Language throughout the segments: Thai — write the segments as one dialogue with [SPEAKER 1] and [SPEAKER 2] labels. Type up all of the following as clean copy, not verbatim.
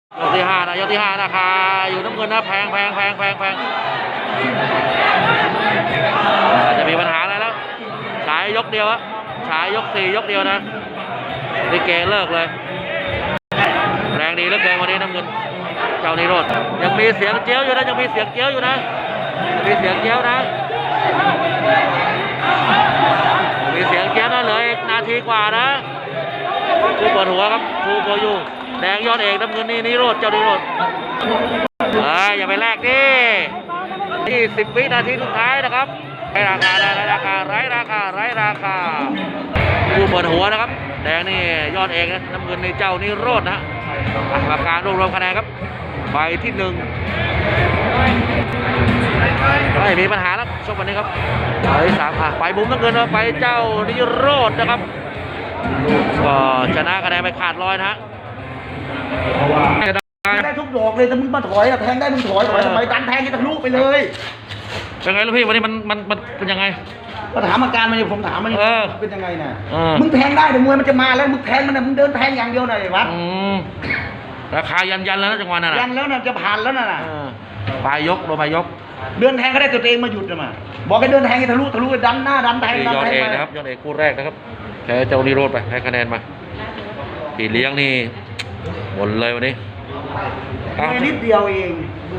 [SPEAKER 1] ยกที่ห้านะยกที่ห้าราคาอยู่น้ำเงินนะแพงจะมีปัญหาอะไรแล้วฉายยกเดียวอะฉายยก4ยกเดียวนะลิเกเลิกเลยแรงดีเหลือเกินวันนี้น้ำเงินเจ้านิโรธยังมีเสียงเจี๊ยวอยู่นะยังมีเสียงเจี๊ยวอยู่นะมีเสียงเจี๊ยวนะมีเสียงเจี๊ยวนะเหลืออีกนาทีกว่านะผู้เปิดหัวครับทูโกยูแดงยอดเอกน้ำเงินนี่นิโรธเจ้านิโรธอย่าไปแลกดิ20 วินาทีสุดท้ายนะครับไร้ราคาไร้ราคาผู้เปิดหัวนะครับแดงนี่ยอดเอกนะน้ำเงินในเจ้านิโรธนะกรรมการรวมคะแนนครับใบที่1ไม่มีปัญหาแล้วช่วงวันนี้ครับใบ3ไปมุมน้ำเงินไปเจ้านิโรธนะครับก็ชนะคะแนนไปขาดร้อยนะฮะ
[SPEAKER 2] ได้ทุกดอกเลยแต่มึงมาถอยแทงได้มึงถอยทำไมดันแทงกันทะลุไปเลย
[SPEAKER 1] เป็นไงลูกพี่วันนี้มันเป็นยังไง
[SPEAKER 2] ก็ถามอาการมันผมถามมันเป็นยังไงน่ะมึงแทงได้แต่มวยมันจะมาแล้วมึงแทงมันน่ะมึงเดินแทงอย่างเดียวน่ะไอ้วัด
[SPEAKER 1] ราคายันแล้วนะจังหวะนั้น
[SPEAKER 2] ยันแล้วน่ะจะผ่านแล้วน่ะ
[SPEAKER 1] ปลายยกโดนปลายยก
[SPEAKER 2] เดินแทงก็ได้ตัวเองมาหยุดนะมาบอกให้เดินแทงให้ทะลุดันหน้าดันแทง
[SPEAKER 1] ยอดเอกนะครับยอดเอกคู่แรกนะครับแพ้เจ้านิโรธไปให้คะแนนมาพี่เลี้ยงนี่หมดเลยวันนี้
[SPEAKER 2] นิดเดียวเอง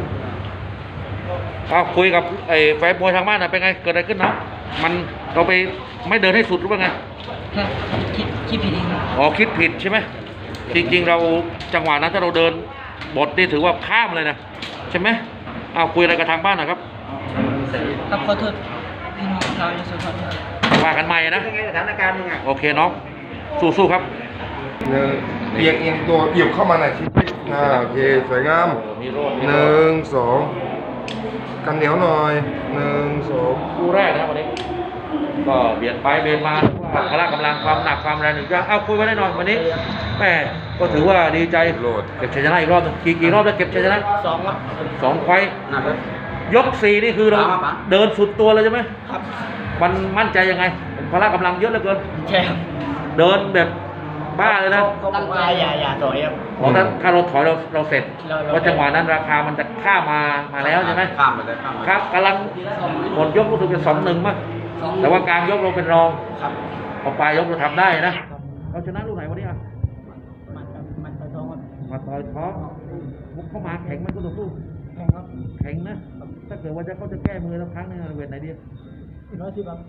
[SPEAKER 1] คุยกับไอ้แฟนมวยทางบ้านนะเป็นไงเกิดอะไรขึ้นนะมันเราไปไม่เดินให้สุดหรือว่าไง
[SPEAKER 3] คิดผิดเอง
[SPEAKER 1] คิดผิดใช่ไหมจริงๆเราจังหวะนั้นถ้าเราเดินบทนี่ถือว่าข้ามเลยนะใช่ไหมคุยอะไรกับทางบ้านนะครับ
[SPEAKER 3] ขอโทษพี่น้องชาวยโสธร
[SPEAKER 1] ว่ากันใหม่นะ
[SPEAKER 2] เป็นไงสถานการณ์ยังไง
[SPEAKER 1] โอเคน้องสู้ๆครับ
[SPEAKER 4] เอียงตัวเหยียบเข้ามาหน่อยชิโอเคสวยงาม1 2กันเหนียวหน่อย1 2
[SPEAKER 1] คู่แรกนะวันนี้ก็เบียดไปเบียดมาพละกำลังความหนักความแรงหนึ่งจะคุยไว้ได้หน่อยวันนี้แม่ก็ถือว่าดีใจเก็บชัยชนะอีกรอบกี่รอบแล้วเก็บชัยชนะ
[SPEAKER 3] 2ครับ
[SPEAKER 1] 2ไฟยก4นี่คือเราเดินสุดตัวเลยใช่ไหม
[SPEAKER 3] ครับ
[SPEAKER 1] มันมั่นใจยังไงพละกำลังเยอะเหลือเกิน
[SPEAKER 3] ใช่ครับ
[SPEAKER 1] เดินแบบบ้าเลยนะ
[SPEAKER 3] ตั้งใจอย่าถอยครับ
[SPEAKER 1] เพราะถ้าเราถอยเราเสร็จเพราะจังหวะนั้นราคามันจะข้ามมาแล้วใช่ไหม
[SPEAKER 3] ข้ามมาได้
[SPEAKER 1] ครับกำลังหมดยกรู้สึกจะ2-1มั้งแต่ว่ากลางยกเราเป็นรองพอปลายยกเราทำได้นะเราชนะลูกไหนวันนี้
[SPEAKER 3] มันต่อยท้องครับ
[SPEAKER 1] มาต่อยท้องมุกเข้ามาแข็งมันก็ต้องสู้แข็งนะถ้าเกิดว่าเขาจะแก้มือแล้วครั้งนึงเวทไหนดี
[SPEAKER 3] 110ครับ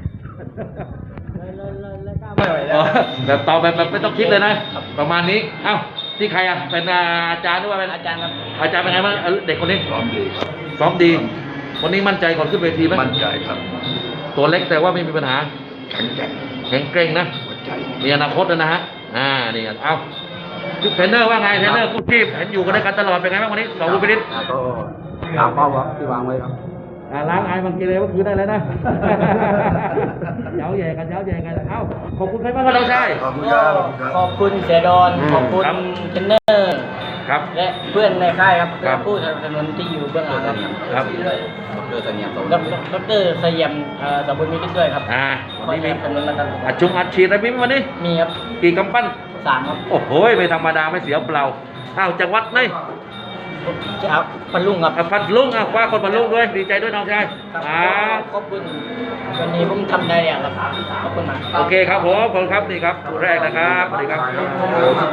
[SPEAKER 1] แบบตอบแบบไม่ต้องคิดเลยนะประมาณนี้ที่ใครเป็นอาจารย์หรือว่าเป็น
[SPEAKER 3] อาจารย์ครับ
[SPEAKER 1] อาจารย์เป็นไงบ้างเด็กคนนี้
[SPEAKER 4] ซ้อมดีครับ
[SPEAKER 1] ซ้อมดีวันนี้มั่นใจก่อนขึ้นเวทีไหม
[SPEAKER 4] มั่นใจครับ
[SPEAKER 1] ตัวเล็กแต่ว่าไม่มีปัญหา
[SPEAKER 4] แข็งเ
[SPEAKER 1] กร่งนะมีอนาคตนะฮะนี่เทรนเนอร์ว่าไงเทรนเนอร์กู้ชีพเห็นอยู่กันด้วยกันตลอดเป็นไงบ้างวันนี้2 ลูกพินิจ
[SPEAKER 3] ก็ตามเป้าที่วางไว้ครับ
[SPEAKER 1] ล้างไอ้บางทีเลยว่าคือได้แล้วนะเย้าแย่กันขอบคุณใครบ้างครับเราใช่
[SPEAKER 3] ขอบคุณเสียดอนขอบคุณเทรนเนอร์
[SPEAKER 1] ครับ
[SPEAKER 3] และเพื่อนในค่ายครับผู้สนับสนุนที่อยู่เบื้องหลัง
[SPEAKER 1] ครับ
[SPEAKER 3] ดร.สยามสมบูรณ์มีด้วยครับ
[SPEAKER 1] วันนี้มีอัดฉีดอะไรมีวันนี้
[SPEAKER 3] มีครับ
[SPEAKER 1] กี่กำปั้น
[SPEAKER 3] 3ครับ
[SPEAKER 1] โอ้โหไม่ธรรมดาไม่เสียเปล่าจังหวัดไหน
[SPEAKER 3] ครับพันลุงครับ
[SPEAKER 1] พันลุงคว้าคนพันลุงด้วยดีใจด้วยน้องชาย
[SPEAKER 3] ขอบคุณวันนี้ผมทำได้อย่างครับขอบคุณมาก
[SPEAKER 1] โอเคครับผมขอบคุณครับนี่ครับคู่แรกนะครับสวัสดีครับ